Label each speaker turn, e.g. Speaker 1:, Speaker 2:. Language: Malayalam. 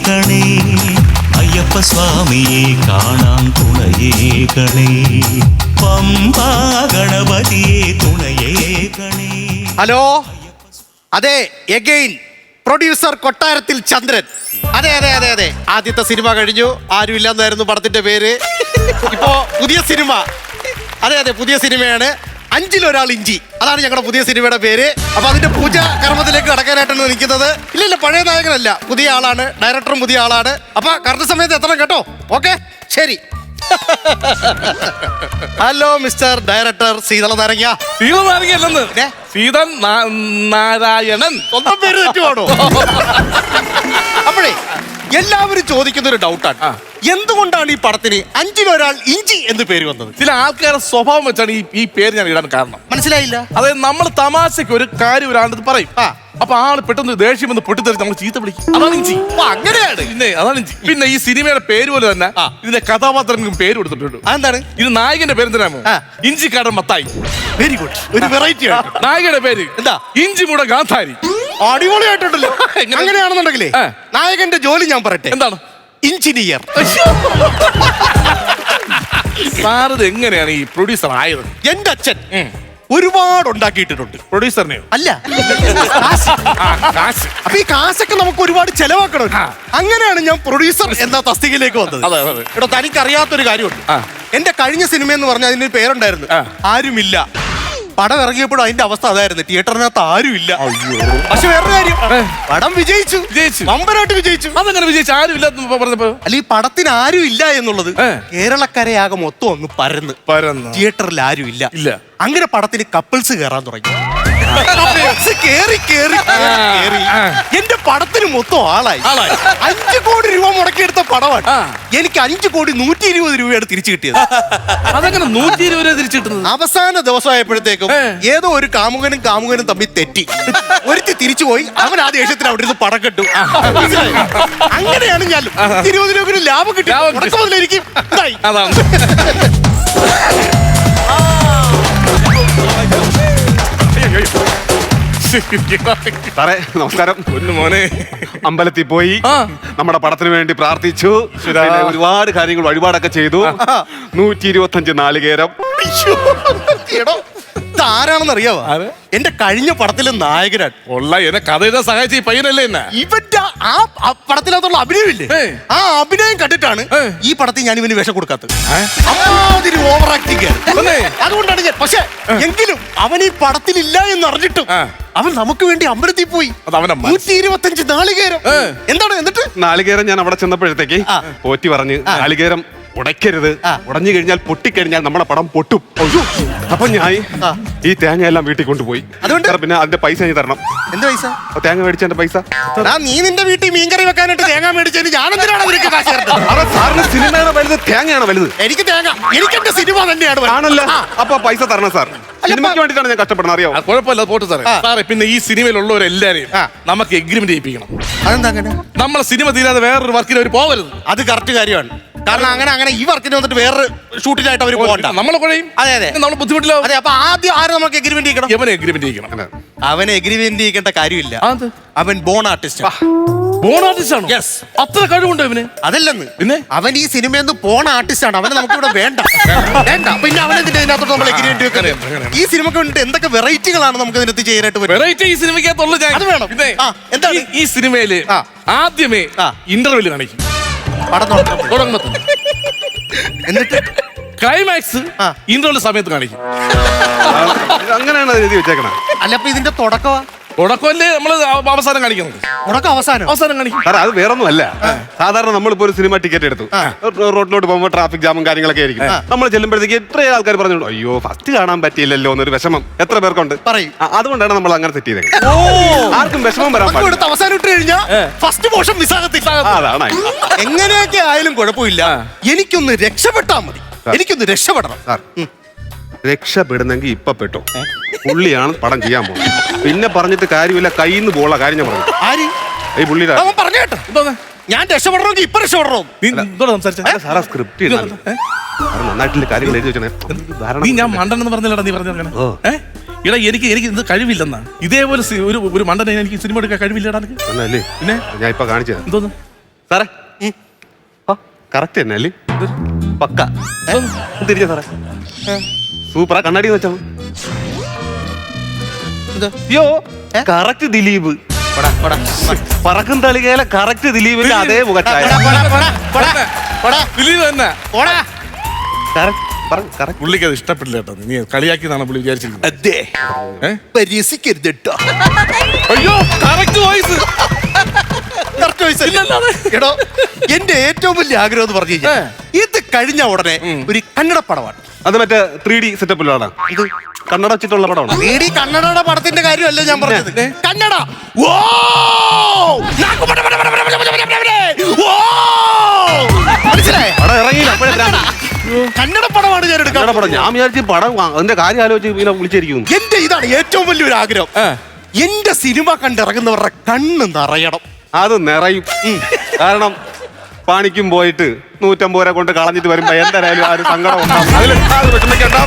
Speaker 1: കണേ അയ്യപ്പ സ്വാമിയെ കാണാൻ തുണയേ കണേ പമ്പാ ഗണപതിയെ തുണയേ കണേ.
Speaker 2: ഹലോ, അതെ, എഗെയിൻ പ്രൊഡ്യൂസർ കൊട്ടാരത്തിൽ ചന്ദ്രൻ. അതെ അതെ അതെ അതെ, ആദ്യത്തെ സിനിമ കഴിഞ്ഞു, ആരും ഇല്ലെന്നായിരുന്നു പടത്തിന്റെ പേര്. ഇപ്പോ പുതിയ സിനിമ, അതെ അതെ പുതിയ സിനിമയാണ്, അഞ്ചിലൊരാൾ ഇഞ്ചി, അതാണ് ഞങ്ങളുടെ പുതിയ സിനിമയുടെ പേര്. അപ്പൊ അതിന്റെ പൂജ കർമ്മത്തിലേക്ക് കടക്കാനായിട്ടാണ് നിൽക്കുന്നത്. ഇല്ല പഴയ നായകനല്ല, പുതിയ ആളാണ്, ഡയറക്ടറും പുതിയ ആളാണ്. അപ്പൊ കറക്റ്റ് സമയത്ത് എത്തണം കേട്ടോ. ഓക്കെ, ശരി. ഹലോ മിസ്റ്റർ ഡയറക്ടർ സീതള നാരങ്ങ.
Speaker 3: സീതനാരങ്ങല്ലെന്ന്, സീതൻ നാരായണൻ.
Speaker 2: സ്വന്തം പേര് തെറ്റുവാണോ? അപ്പോഴേ എല്ലാവരും ചോദിക്കുന്ന ഒരു ഡൗട്ടാണ്, എന്തുകൊണ്ടാണ് ഈ പടത്തിന് അഞ്ചിലൊരാൾ ഇഞ്ചി എന്ന് പേര് വന്നത്?
Speaker 3: ചില ആൾക്കാരുടെ സ്വഭാവം വെച്ചാണ് ഈ പേര് ഞാൻ ഇടാൻ കാരണം.
Speaker 2: മനസ്സിലായില്ല?
Speaker 3: അതായത് നമ്മൾ തമാശക്ക് ഒരു കാര്യം ഒരാളുടെ പറയും, അപ്പൊ ആള് പെട്ടെന്ന് ദേഷ്യം വന്ന് പൊട്ടിത്തെറിച്ച് നമ്മൾ ചീത്ത വിളിക്കും. അതാണ് ഇഞ്ചി.
Speaker 2: അങ്ങനെയാണ്.
Speaker 3: പിന്നെ അതാണ് ഇഞ്ചി. പിന്നെ ഈ സിനിമയുടെ പേര് പോലെ തന്നെ ഇതിന്റെ കഥാപാത്രങ്ങൾക്കും പേര് കൊടുത്തിട്ടുണ്ട്.
Speaker 2: അതെന്താണ്?
Speaker 3: ഇത് നായകന്റെ പേര് എന്തിനാമോ? ഇഞ്ചിക്കാടൻ മത്തായി.
Speaker 2: വെരി ഗുഡ്, ഒരു വെറൈറ്റി ആണ്.
Speaker 3: നായകന്റെ പേര്
Speaker 2: എന്താ?
Speaker 3: ഇഞ്ചി മൂട ഗാന്ധാരി.
Speaker 2: അടിപൊളിയായിട്ടുണ്ടല്ലോ. അങ്ങനെയാണെന്നുണ്ടെങ്കിലേ നായകന്റെ ജോലി ഞാൻ പറയട്ടെ.
Speaker 3: എന്താണ്?
Speaker 2: എഞ്ചിനീയർ.
Speaker 3: സാറത് എങ്ങനെയാണ് ഈ പ്രൊഡ്യൂസർ ആയത്?
Speaker 2: എന്റെ അച്ഛൻ ഒരുപാട് ഉണ്ടാക്കിയിട്ടുണ്ട്.
Speaker 3: പ്രൊഡ്യൂസറിനെയോ?
Speaker 2: അല്ല,
Speaker 3: കാശ്.
Speaker 2: അപ്പൊ ഈ കാശൊക്കെ നമുക്ക് ഒരുപാട് ചെലവാക്കണം. അങ്ങനെയാണ് ഞാൻ പ്രൊഡ്യൂസർ എന്ന തസ്തികയിലേക്ക് വന്നത്. ഇവിടെ തനിക്ക് അറിയാത്തൊരു കാര്യമുണ്ട്. എന്റെ കഴിഞ്ഞ സിനിമ എന്ന് പറഞ്ഞാൽ അതിന് പേരുണ്ടായിരുന്നു, ആരുമില്ല. പടം ഇറങ്ങിയപ്പോഴും അതിന്റെ അവസ്ഥ അതായിരുന്നു, തിയേറ്ററിനകത്ത് ആരുമില്ല. പക്ഷെ വേറൊരു കാര്യം, പടം വിജയിച്ചു, വമ്പനായിട്ട് വിജയിച്ചു.
Speaker 3: അതെങ്ങനെ വിജയിച്ചു? ആരും ഇല്ലാത്ത പറഞ്ഞപ്പോ?
Speaker 2: അല്ല, ഈ പടത്തിന് ആരും ഇല്ല എന്നുള്ളത് കേരളക്കരയാകെ മൊത്തം അങ്ങ് പരന്ന് തിയേറ്ററിൽ ആരും ഇല്ല. അങ്ങനെ പടത്തിന് കപ്പിൾസ് കയറാൻ തുടങ്ങി. കേറി എന്റെ പടത്തിന് മൊത്തം ആളായി. 5 കോടി രൂപ മുടക്കിയെടുത്ത പടമാണ്. എനിക്ക് 5 കോടി 120 രൂപയാണ് തിരിച്ചു കിട്ടിയത്.
Speaker 3: അതെങ്ങനെ 120 രൂപ തിരിച്ചു കിട്ടുന്നത്?
Speaker 2: അവസാന ദിവസമായപ്പോഴത്തേക്കും ഏതോ ഒരു കാമുകനും തമ്മിൽ തെറ്റി, ഒരുത്തി തിരിച്ചുപോയി. അവൻ ആ ദേഷ്യത്തിന് അവിടെ ഇരുന്ന് പടം കെട്ടു. അങ്ങനെയാണ് ഞാൻ 20 രൂപ ലാഭം കിട്ടി. എനിക്ക്
Speaker 3: അതാണ്.
Speaker 4: സാറേ നമസ്കാരം. മോനെ അമ്പലത്തിൽ പോയി നമ്മുടെ പടത്തിന് വേണ്ടി പ്രാർത്ഥിച്ചു, ഒരുപാട് കാര്യങ്ങൾ വഴിപാടൊക്കെ ചെയ്തു. 125 നാളികേരം.
Speaker 2: ആരാണെന്ന് അറിയാവോ? എന്റെ കഴിഞ്ഞ പടത്തിലെ നായകനാണ്.
Speaker 3: എന്നെ കഥ എഴുതാൻ സഹായിച്ച ഈ പയ്യനല്ലേ എന്നെ?
Speaker 2: ഇവന്റെ ആ പടത്തിനകത്തുള്ള അഭിനയമില്ലേ, ആ അഭിനയം കണ്ടിട്ടാണ് ഈ പടത്തിൽ ഞാൻ ഇവന് വേഷം കൊടുക്കാത്തത്. അമ്മാതിരി ഓവർ ആക്ടിങ്. അതുകൊണ്ടാണ് ഞാൻ. പക്ഷെ എങ്കിലും അവൻ ഈ പടത്തിലില്ല എന്ന് അറിഞ്ഞിട്ടും അവൻ നമുക്ക് വേണ്ടി അമ്പലത്തിൽ പോയി 125 നാളികേരം. എന്താണ് എന്നിട്ട്?
Speaker 4: നാളികേരം ഞാൻ അവിടെ ചെന്നപ്പോഴത്തേക്ക് പോറ്റി പറഞ്ഞ് നാളികേരം ഉടയ്ക്കരുത്, ഉടഞ്ഞു കഴിഞ്ഞാൽ പൊട്ടിക്കഴിഞ്ഞാൽ നമ്മുടെ പടം പൊട്ടും. അപ്പൊ ഞാൻ ഈ തേങ്ങ എല്ലാം വീട്ടിൽ കൊണ്ടുപോയി. അതുകൊണ്ട് പിന്നെ അതിന്റെ പൈസ നീ തരണം.
Speaker 2: എന്ത് പൈസ?
Speaker 4: തേങ്ങ മേടിച്ചതിന്റെ പൈസ.
Speaker 2: നീ നിന്റെ വീട്ടിൽ മീൻകറി വെക്കാനായിട്ട് തേങ്ങ മേടിച്ചതിന് ഞാനെന്തിനാണ് നിനക്ക് കാശ് തരുന്നത്?
Speaker 4: സാറിന് സിനിമയാണ് വലുത്, തേങ്ങയാണ് വലുത്?
Speaker 2: എനിക്ക് തേങ്ങ, എനിക്ക് എന്റെ സിനിമ തന്നെയാണ്.
Speaker 4: ആണല്ലോ, അപ്പൊ പൈസ തരണം സാർ. സിനിമയ്ക്ക് വേണ്ടിയിട്ടാണ് ഞാൻ കഷ്ടപ്പെടുന്നത്, അറിയാം.
Speaker 3: കുഴപ്പമില്ല, പോട്ട് സാറേ. സാറേ പിന്നെ ഈ സിനിമയിലുള്ളവരെല്ലാരെയും നമുക്ക് എഗ്രിമെന്റ് ചെയ്യിപ്പിക്കണം.
Speaker 2: അതെന്താ അങ്ങനെ?
Speaker 3: നമ്മളെ സിനിമ തീരാതെ വേറൊരു വർക്കിന് അവർ പോകരുത്.
Speaker 2: അത് കറക്റ്റ് കാര്യമാണ്. കാരണം അങ്ങനെ ഈ വർക്കിന് വന്നിട്ട് വേറൊരു ഷൂട്ടിനായിട്ട് അവർ പോകണ്ട.
Speaker 3: നമ്മളെ കുഴയും.
Speaker 2: അതെ നമ്മൾ
Speaker 3: ബുദ്ധിമുട്ടില്ല.
Speaker 2: അതെ, അപ്പൊ ആദ്യം ആരും നമുക്ക് എഗ്രിമെന്റ് ചെയ്യണം.
Speaker 3: അവനെ എഗ്രിമെന്റ് ചെയ്യണം.
Speaker 2: അവനെ എഗ്രിമെന്റ് ചെയ്യേണ്ട കാര്യമില്ല. അവൻ ബോൺ ആർട്ടിസ്റ്റ്.
Speaker 3: ബോൺ ആർട്ടിസ്റ്റ് ആണ്? യെസ്. അത്ര കഴിവുണ്ടോ ഇവന്?
Speaker 2: അതല്ലെന്ന്,
Speaker 3: പിന്നെ അവൻ
Speaker 2: ഈ സിനിമയിൽ നിന്ന് പോണ ആർട്ടിസ്റ്റ് ആണ്. അവനെ നമുക്ക് ഇവിടെ വേണ്ട. പിന്നെ അവനെന്തിന്റെ ഇതിനകത്തോട്ട് നമ്മൾ എഗ്രിമെന്റ് വെക്കുന്നത്? ഈ സിനിമക്ക് വേണ്ടിട്ട് എന്തൊക്കെ വെറൈറ്റികളാണ് നമുക്ക് ഇതിനകത്ത് ചെയ്യാനായിട്ട് പറ്റും?
Speaker 3: വെറൈറ്റി ഈ സിനിമയ്ക്കകത്തുള്ളൂ. അത് വേണം. പിന്നെ എന്താണ് ഈ സിനിമയില് ആദ്യമേ ഇന്റർവെല് കാണിക്കും പടം തുടങ്ങുമ്പോ, എന്നിട്ട് ക്ലൈമാക്സ് ഇന്റർവെല് സമയത്ത് കാണിക്കും.
Speaker 4: അങ്ങനെയാണ് എഴുതി വെച്ചേക്കണം.
Speaker 2: അല്ല, അപ്പൊ ഇതിന്റെ
Speaker 3: തുടക്കമല്ലേ നമ്മള് അവസാനം കാണിക്കുന്നത്? അവസാനം കാണിക്കും.
Speaker 4: അത് വേറൊന്നും അല്ല. സാധാരണ നമ്മളിപ്പോ ഒരു സിനിമ ടിക്കറ്റ് എടുത്തു, റോഡിലോട്ട് പോകുമ്പോൾ ട്രാഫിക് ജാമും കാര്യങ്ങളൊക്കെ ആയിരിക്കും. നമ്മൾ ചെല്ലുമ്പോഴത്തേക്ക് എത്ര ആൾക്കാർ പറഞ്ഞു, അയ്യോ ഫസ്റ്റ് കാണാൻ പറ്റിയില്ലല്ലോ എന്നൊരു വിഷമം എത്ര പേർക്കുണ്ട് പറയും. അതുകൊണ്ടാണ് നമ്മൾ അങ്ങനെ സെറ്റ് ചെയ്തത്. ആർക്കും വിഷമം വരാൻ പാടില്ല.
Speaker 2: അവസാനം ഇട്ട് കഴിഞ്ഞാൽ ഫസ്റ്റ് പോർഷൻ മിസ്സാകത്തില്ല.
Speaker 4: അതാണ്.
Speaker 2: എങ്ങനെയൊക്കെ ആയാലും കുഴപ്പമില്ല, എനിക്കൊന്ന് രക്ഷപ്പെട്ടാൽ മതി. എനിക്കൊന്ന് രക്ഷപ്പെടണം സാർ.
Speaker 4: രക്ഷപ്പെടുന്നെങ്കിൽ ഇപ്പൊ പെട്ടോ, പുള്ളിയാണ് പടം ചെയ്യാൻ പോകുന്നത്. പിന്നെ പറഞ്ഞിട്ട് കാര്യമില്ല, കയ്യിൽ നിന്ന് പോള കാര്യം ഞാൻ പറഞ്ഞു.
Speaker 2: ആര്?
Speaker 4: ഈ പുള്ളിയുടെ
Speaker 2: പറഞ്ഞേട്ടോ. ഞാൻ രക്ഷപ്പെടണമെങ്കിൽ ഇപ്പൊ രക്ഷപ്പെടണോ?
Speaker 4: സാറാ സ്ക്രിപ്റ്റ് നന്നായിട്ടുള്ള കാര്യങ്ങൾ എഴുതി വെച്ചേ.
Speaker 3: നീ ഞാൻ മണ്ടനെന്ന് പറഞ്ഞില്ലടാ, നീ പറഞ്ഞ ഇടാ എനിക്ക് ഇത് കഴിവില്ലെന്നാ. ഇതേപോലെ ഒരു മണ്ടനെ എനിക്ക് സിനിമ എടുക്കാൻ കഴിവില്ലടാ.
Speaker 4: പിന്നെ ഞാൻ ഇപ്പൊ കാണിച്ചത്
Speaker 3: എന്തോന്ന്?
Speaker 4: സാറേ കറക്റ്റ് തന്നെ അല്ലേ പക്ക തിരിച്ച സാറേ സൂപ്പറാ കണ്ണാടി വെച്ചാ അയ്യോ കറക്റ്റ് ദിലീപ് പറക്കും തളികയിലെ കറക്റ്റ് ദിലീപിന്റെ അതേ മുഖച്ചായ
Speaker 3: ദിലീപ് തന്നെ
Speaker 4: കറക്റ്റ്
Speaker 3: പുള്ളിക്ക് അത് ഇഷ്ടപ്പെട്ടില്ല കേട്ടോ. നീ കളിയാക്കിയതാണ് പുള്ളി വിചാരിച്ചിരിക്കുന്നത്.
Speaker 2: അതെ പരിഹസിക്കരുത് കേട്ടോ.
Speaker 3: അയ്യോ കറക്റ്റ് വോയിസ്.
Speaker 2: എടോ എന്റെ ഏറ്റവും വലിയ ആഗ്രഹം എന്ന് പറഞ്ഞു കഴിഞ്ഞാൽ ഇത് കഴിഞ്ഞ ഉടനെ ഒരു കന്നഡ പടമാണ്.
Speaker 4: അത് മറ്റേ 3D സെറ്റപ്പിലാണ് ഇത് കന്നഡ വെച്ചിട്ടുള്ള പടമാണ്.
Speaker 2: 3D കന്നഡയുടെ പടത്തിന്റെ കാര്യമല്ല ഞാൻ പറഞ്ഞത്. കന്നഡ മനസ്സിലായോ? കന്നഡ പടമാണ് ഞാൻ എടുക്കാൻ.
Speaker 4: ഞാൻ വിചാരിച്ചു പടം അതിന്റെ കാര്യം ആലോചിച്ച് ഇങ്ങനെ വിളിച്ചിരിക്കുന്നു.
Speaker 2: എന്റെ ഇതാണ് ഏറ്റവും വലിയൊരു ആഗ്രഹം. എന്റെ സിനിമ കണ്ടിറങ്ങുന്നവരുടെ കണ്ണ് നിറയണം.
Speaker 4: അത് നിറയും. കാരണം പണിക്കും പോയിട്ട് 150 രൂപ കൊണ്ട് കളഞ്ഞിട്ട് വരുമ്പോ എന്തായാലും ആ ഒരു സങ്കടം ഉണ്ടാവും. അതിൽ വിഷമിക്കണ്ട.